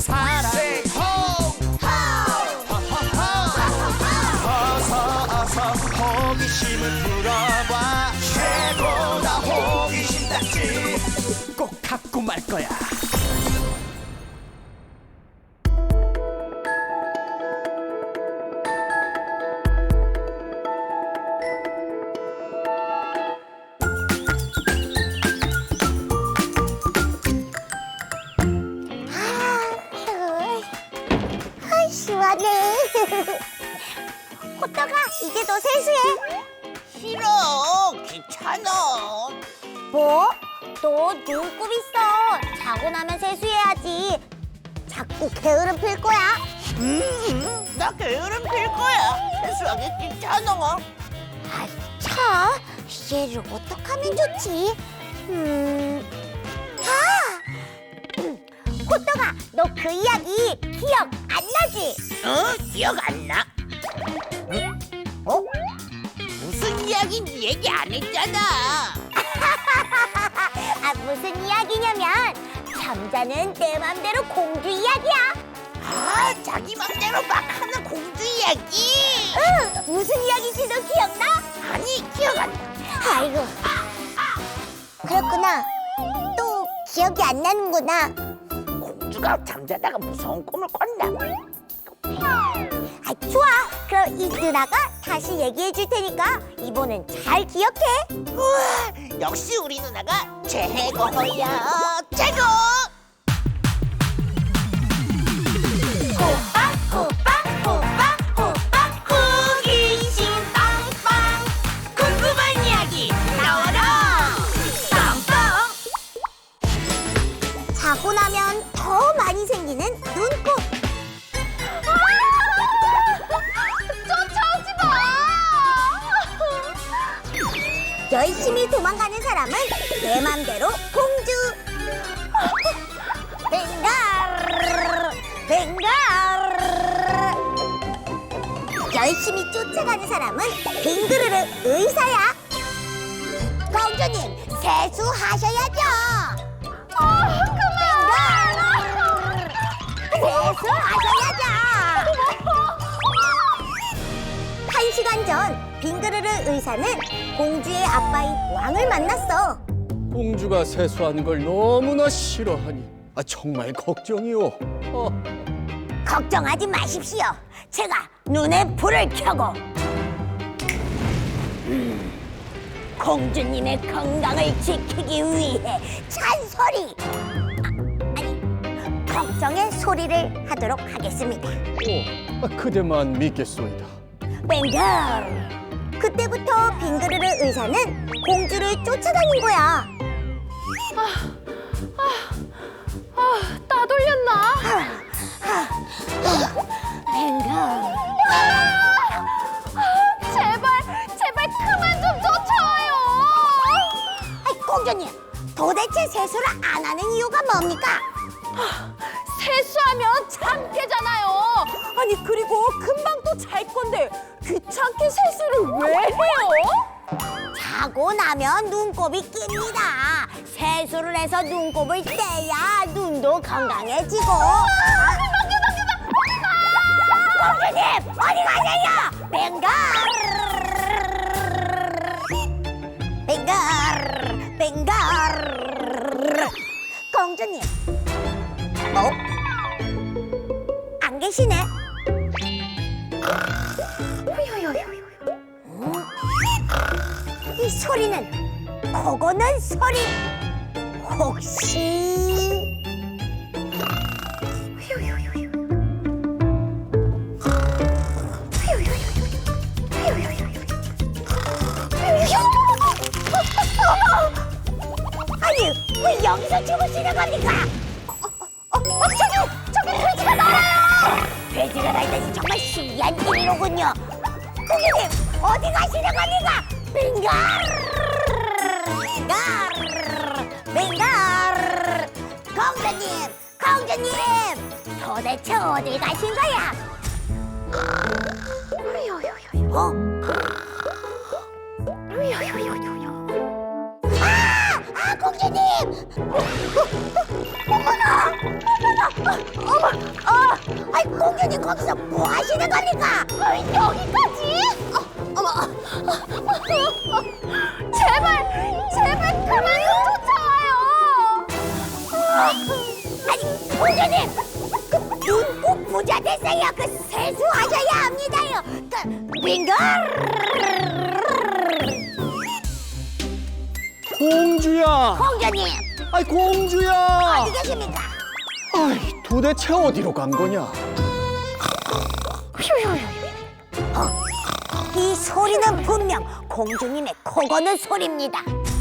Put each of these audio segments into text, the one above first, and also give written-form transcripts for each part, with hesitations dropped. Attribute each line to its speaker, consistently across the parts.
Speaker 1: 사랑 Say ho 어서 호기심을 풀어봐 최고다 호기심 딱지 꼭 갖고 말 거야
Speaker 2: 시원해. 호떡아, 이제 너 세수해.
Speaker 3: 싫어. 귀찮아.
Speaker 2: 뭐? 너 눈곱 있어. 자고 나면 세수해야지. 자꾸 게으름 필 거야.
Speaker 3: 나 게으름 필 거야. 세수하기 귀찮아.
Speaker 2: 아, 참. 얘를 어떡하면 좋지? 호떡아, 너 그 이야기 기억 안 나지?
Speaker 3: 기억 안 나? 무슨 이야기인지 얘기 안 했잖아.
Speaker 2: 아, 무슨 이야기냐면 잠자는 내 맘대로 공주 이야기야.
Speaker 3: 아, 자기 맘대로 막 하는 공주 이야기.
Speaker 2: 응, 무슨 이야기인지 너 기억나?
Speaker 3: 아니, 기억 안 나.
Speaker 2: 아이고, 그렇구나. 또 기억이 안 나는구나.
Speaker 3: 공주가 잠자다가 무서운 꿈을 꿨나?
Speaker 2: 아, 좋아. 그럼 이 누나가 다시 얘기해 줄 테니까 이번엔 잘 기억해.
Speaker 3: 우와, 역시 우리 누나가 최고야. 최고!
Speaker 2: 호박 호박 호박 호박 호기심 빵빵
Speaker 3: 궁금한 이야기 나와라. 빵빵.
Speaker 2: 자고 나면 더 많이 생기는 눈곱. 쫓아오지 마. 열심히 도망가는 사람은 내 맘대로 공주. 뱅갈 뱅갈. 열심히 쫓아가는 사람은 빙그르르 의사야. 공주님 세수하셔야죠. 그만. 세수하셔야죠. 1시간 전 빙그르르 의사는 공주의 아빠인 왕을 만났어.
Speaker 4: 공주가 세수하는 걸 너무나 싫어하니 정말 걱정이오.
Speaker 2: 걱정하지 마십시오. 제가 눈에 불을 켜고 공주님의 건강을 지키기 위해 찬소리 아니 걱정의 소리를 하도록 하겠습니다.
Speaker 4: 그대만 믿겠소이다.
Speaker 2: 뱅글. 그때부터 빙그르르 의사는 공주를 쫓아다닌 거야.
Speaker 5: 따돌렸나?
Speaker 2: 뱅글.
Speaker 5: 제발 그만 좀 쫓아와요.
Speaker 2: 아이, 공주님, 도대체 세수를 안 하는 이유가 뭡니까?
Speaker 5: 세수하면 창피잖아요. 아니 그리고 금방 또 잘 건데 귀찮게 세수를 왜 해요?
Speaker 2: 자고 나면 눈곱이 낍니다. 세수를 해서 눈곱을 떼야 눈도 건강해지고. 공주님, 어디 가세요? 뱅갈! 뱅갈! 뱅갈! 공주님. 안 계시네. 이 소리는 코고는 소리. 혹시 아니 왜 여기서 주무시는 겁니까? 저기 돼지가 날아요. 돼지가 날다니 정말 신기한 일이로군요. 고객님 어디 가시는 겁니까? 빙갈 빙갈 빙갈. 공주님 도대체 어디 가신 거야? 공주님! 어머나! 아이 공주님 거기서 뭐 하시는 겁니까? 여기까지? 어머. 제발 그만 좀 쫓아와요. 아니 공주님 눈 꼭 부자 됐어요. 그 세수하셔야 합니다요. 그 빙글.
Speaker 4: 공주야!
Speaker 2: 공주님
Speaker 4: 아이 공주야!
Speaker 2: 어디 계십니까?
Speaker 4: 아이 도대체 어디로 간 거냐?
Speaker 2: 이 소리는 분명 공주님의 코 고는 소리입니다.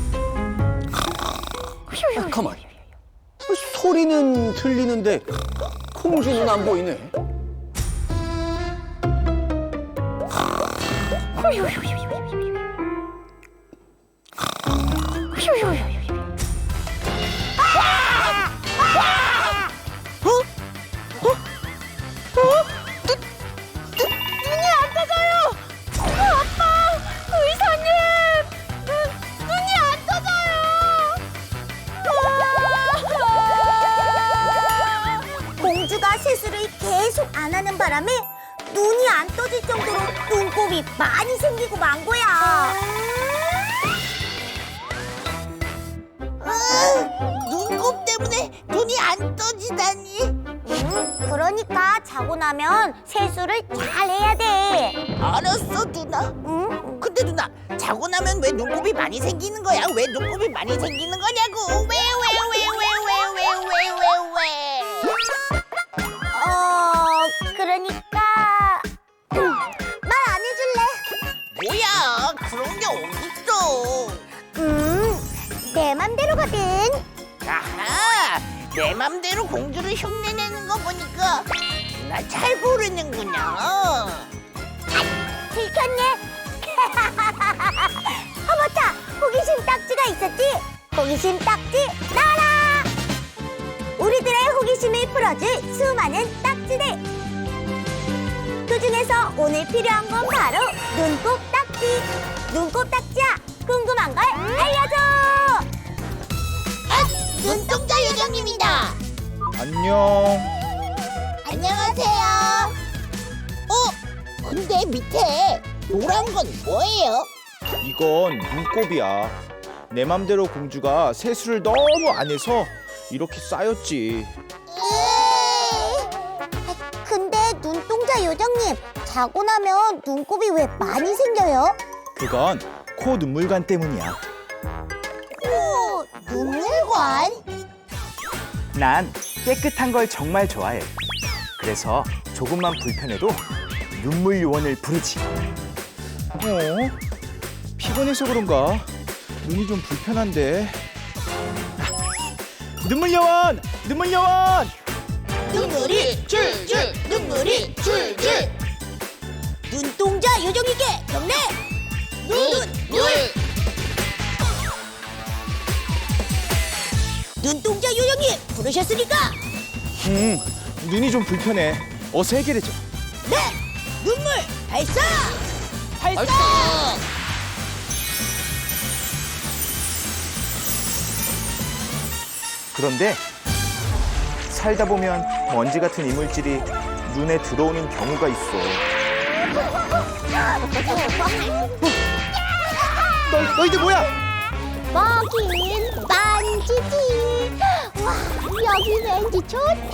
Speaker 4: 아, 가만. 소리는 들리는데 공주는 안 보이네.
Speaker 5: 눈이 안 떠져요. 아빠, 의사님, 눈이 안 떠져요.
Speaker 2: 공주가 세수를 계속 안 하는 바람에 눈이 안 떠질 정도로 눈곱이 많이 생기고 만 거야.
Speaker 3: 눈곱 때문에 눈이 안 떠지다니.
Speaker 2: 그러니까 자고 나면 세수를 잘 해야 돼.
Speaker 3: 알았어, 누나.
Speaker 2: 응?
Speaker 3: 근데 누나, 자고 나면 왜 눈곱이 많이 생기는 거야? 왜 눈곱이 많이 생기는 거냐고? 왜?
Speaker 2: 그러니까 말 안 해줄래?
Speaker 3: 뭐야? 그런 게 어딨어?
Speaker 2: 내 맘대로거든.
Speaker 3: 아하, 내 맘대로 공주를 흉내내는 거 보니까 누나 잘 모르는구나.
Speaker 2: 들켰네. 맞다. 호기심 딱지가 있었지. 호기심 딱지 나라. 우리들의 호기심을 풀어줄 수많은 딱지들. 그중에서 오늘 필요한 건 바로 눈곱 딱지. 눈곱 딱지야, 궁금한 걸 알려줘.
Speaker 3: 눈동자 요정입니다.
Speaker 6: 안녕.
Speaker 3: 안녕하세요. 근데 밑에 노란 건 뭐예요?
Speaker 6: 이건 눈곱이야. 내 맘대로 공주가 세수를 너무 안 해서 이렇게 쌓였지.
Speaker 2: 근데 눈동자 요정님, 자고 나면 눈곱이 왜 많이 생겨요?
Speaker 6: 그건 코 눈물관 때문이야.
Speaker 2: 오, 눈물관?
Speaker 7: 난 깨끗한 걸 정말 좋아해. 그래서 조금만 불편해도 눈물 요원을 부르지.
Speaker 6: 피곤해서 그런가? 눈이 좀 불편한데. 눈물 요원! 눈물 요원!
Speaker 3: 눈물이 줄줄, 눈물이 줄줄.
Speaker 2: 눈동자 요정에게 경례!
Speaker 3: 눈물.
Speaker 2: 눈동자 요정님 부르셨으니까
Speaker 6: 눈이 좀 불편해. 어서 해결해줘.
Speaker 2: 네! 눈물 발사! 발사!
Speaker 7: 그런데 살다 보면 먼지 같은 이물질이 눈에 들어오는 경우가 있어.
Speaker 6: 너희들 뭐야?
Speaker 2: 먹인 만지기. 와, 여기 왠지 좋다.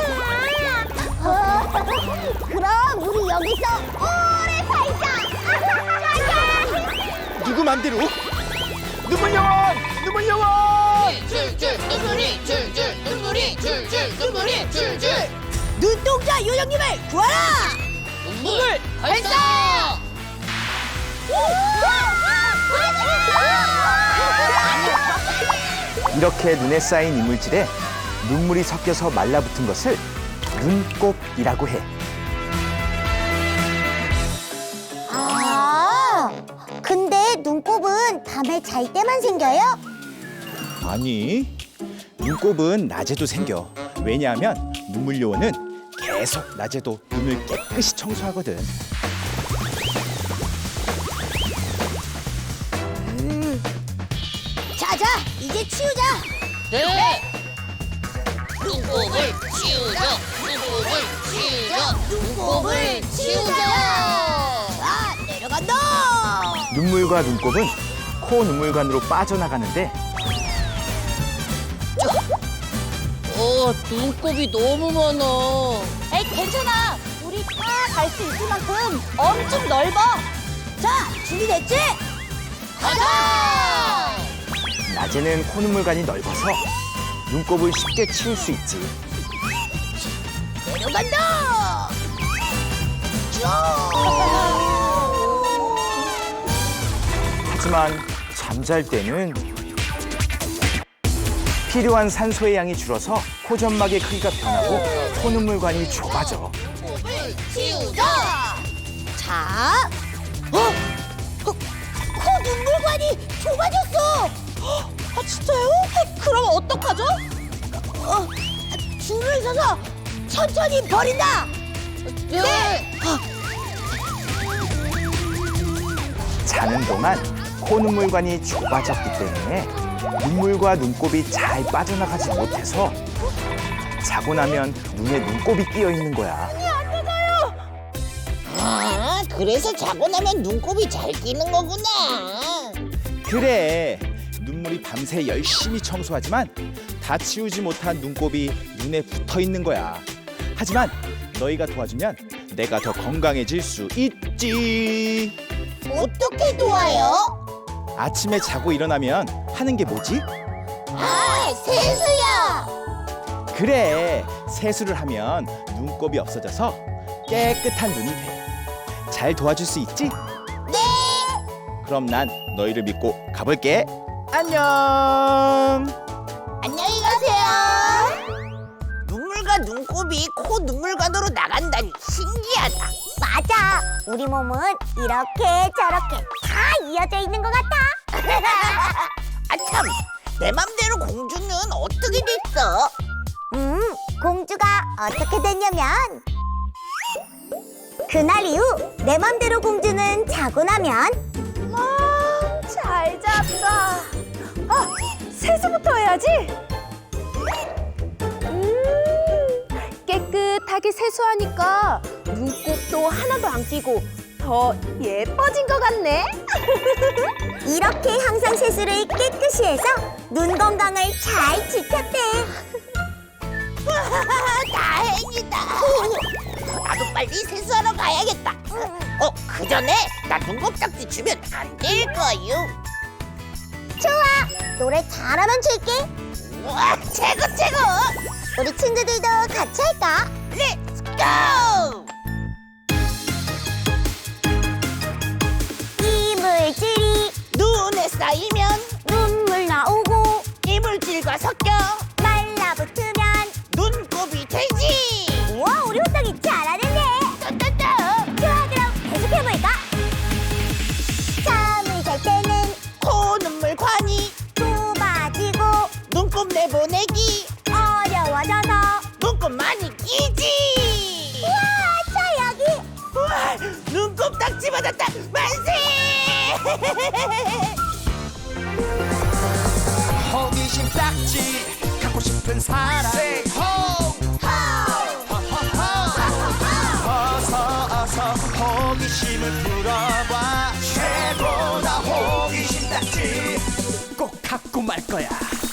Speaker 2: 그럼 우리 여기서 오래 살자.
Speaker 6: 누구 맘대로? 눈물 요원! 눈물 요원!
Speaker 3: 줄줄, 눈물이 줄줄, 눈물이 줄줄, 눈물이 줄줄.
Speaker 2: 눈동자 요정님을 구하라.
Speaker 3: 눈물 발사!
Speaker 7: 이렇게 눈에 쌓인 이물질에 눈물이 섞여서 말라붙은 것을 눈곱이라고 해.
Speaker 2: 아, 근데 눈곱은 밤에 잘 때만 생겨요?
Speaker 6: 아니, 눈곱은 낮에도 생겨. 왜냐하면 눈물 요원은 계속 낮에도 눈을 깨끗이 청소하거든.
Speaker 2: 자자, 이제 치우자.
Speaker 3: 네. 눈물 눈곱을 치우자. 눈곱을 치우자. 눈곱을 치우자. 아, 내려간다.
Speaker 7: 눈물과 눈곱은 코 눈물관으로 빠져나가는데
Speaker 3: 눈곱이 너무 많아.
Speaker 2: 에이, 괜찮아. 우리 다 갈 수 있을 만큼 엄청 넓어. 자, 준비됐지?
Speaker 3: 가자!
Speaker 7: 낮에는 코 눈물관이 넓어서 눈곱을 쉽게 치울 수 있지.
Speaker 3: 내려간다.
Speaker 7: 하지만 잠잘 때는 필요한 산소의 양이 줄어서 코점막의 크기가 변하고 코 눈물관이 좁아져.
Speaker 3: 눈곱을 치우자.
Speaker 2: 자, 코 눈물관이 좁아졌어. 아, 진짜요? 그럼 어떡하죠? 줄을 서서 천천히 버린다.
Speaker 3: 네.
Speaker 7: 자는 동안 코 눈물관이 좁아졌기 때문에 눈물과 눈곱이 잘 빠져나가지 못해서 자고 나면 눈에 눈곱이 끼어 있는 거야.
Speaker 3: 아, 그래서 자고 나면 눈곱이 잘 끼는 거구나.
Speaker 6: 그래, 눈물이 밤새 열심히 청소하지만 다 치우지 못한 눈곱이 눈에 붙어 있는 거야. 하지만 너희가 도와주면 내가 더 건강해질 수 있지.
Speaker 3: 어떻게 도와요?
Speaker 6: 아침에 자고 일어나면 하는 게 뭐지?
Speaker 3: 아, 세수야.
Speaker 6: 그래, 세수를 하면 눈곱이 없어져서 깨끗한 눈이 돼. 잘 도와줄 수 있지?
Speaker 3: 네.
Speaker 6: 그럼 난 너희를 믿고 가볼게. 안녕.
Speaker 3: 안녕히 가세요. 눈물과 눈곱이 코 눈물관으로 나간다니 신기하다.
Speaker 2: 맞아. 우리 몸은 이렇게 저렇게 다 이어져 있는 것 같아.
Speaker 3: 아, 참. 내 맘대로 공주는 어떻게 됐어?
Speaker 2: 공주가 어떻게 됐냐면 그날 이후 내 맘대로 공주는 자고 나면
Speaker 5: 잘 잤다. 아, 세수부터 해야지. 깨끗하게 세수하니까 눈곱도 하나도 안 끼고 더 예뻐진 것 같네.
Speaker 2: 이렇게 항상 세수를 깨끗이 해서 눈 건강을 잘 지켰대.
Speaker 3: 다행이다. 나도 빨리 세수하러 가야겠다. 그 전에 나 눈곱딱지 주면 안 될 거요.
Speaker 2: 좋아. 노래 잘하면 줄게.
Speaker 3: 우와, 최고 최고.
Speaker 2: 우리 친구들도 같이 할까?
Speaker 3: 렛츠 고!
Speaker 2: 이물질이
Speaker 3: 눈에 쌓이면
Speaker 2: 눈물 나오고
Speaker 3: 이물질과 섞여
Speaker 2: 말라붙으면
Speaker 3: 눈곱이 되지.
Speaker 2: 우와, 우리 호떡이 잘하는데.
Speaker 3: 딴딴딴.
Speaker 2: 좋아, 그럼 계속해볼까? 잠을 잘 때는
Speaker 3: 코 눈물관이
Speaker 2: 좁아지고
Speaker 3: 눈곱 내보내기
Speaker 2: 어려워져서
Speaker 3: 눈곱 많이 끼지.
Speaker 2: 우와, 저 여기.
Speaker 3: 우와, 눈곱딱지 받았다. 만세.
Speaker 1: 호기심 딱지 갖고 싶은 사람 Say ho 어서 호기심을 풀어봐 최고다 호기심 딱지 꼭 갖고 말 거야.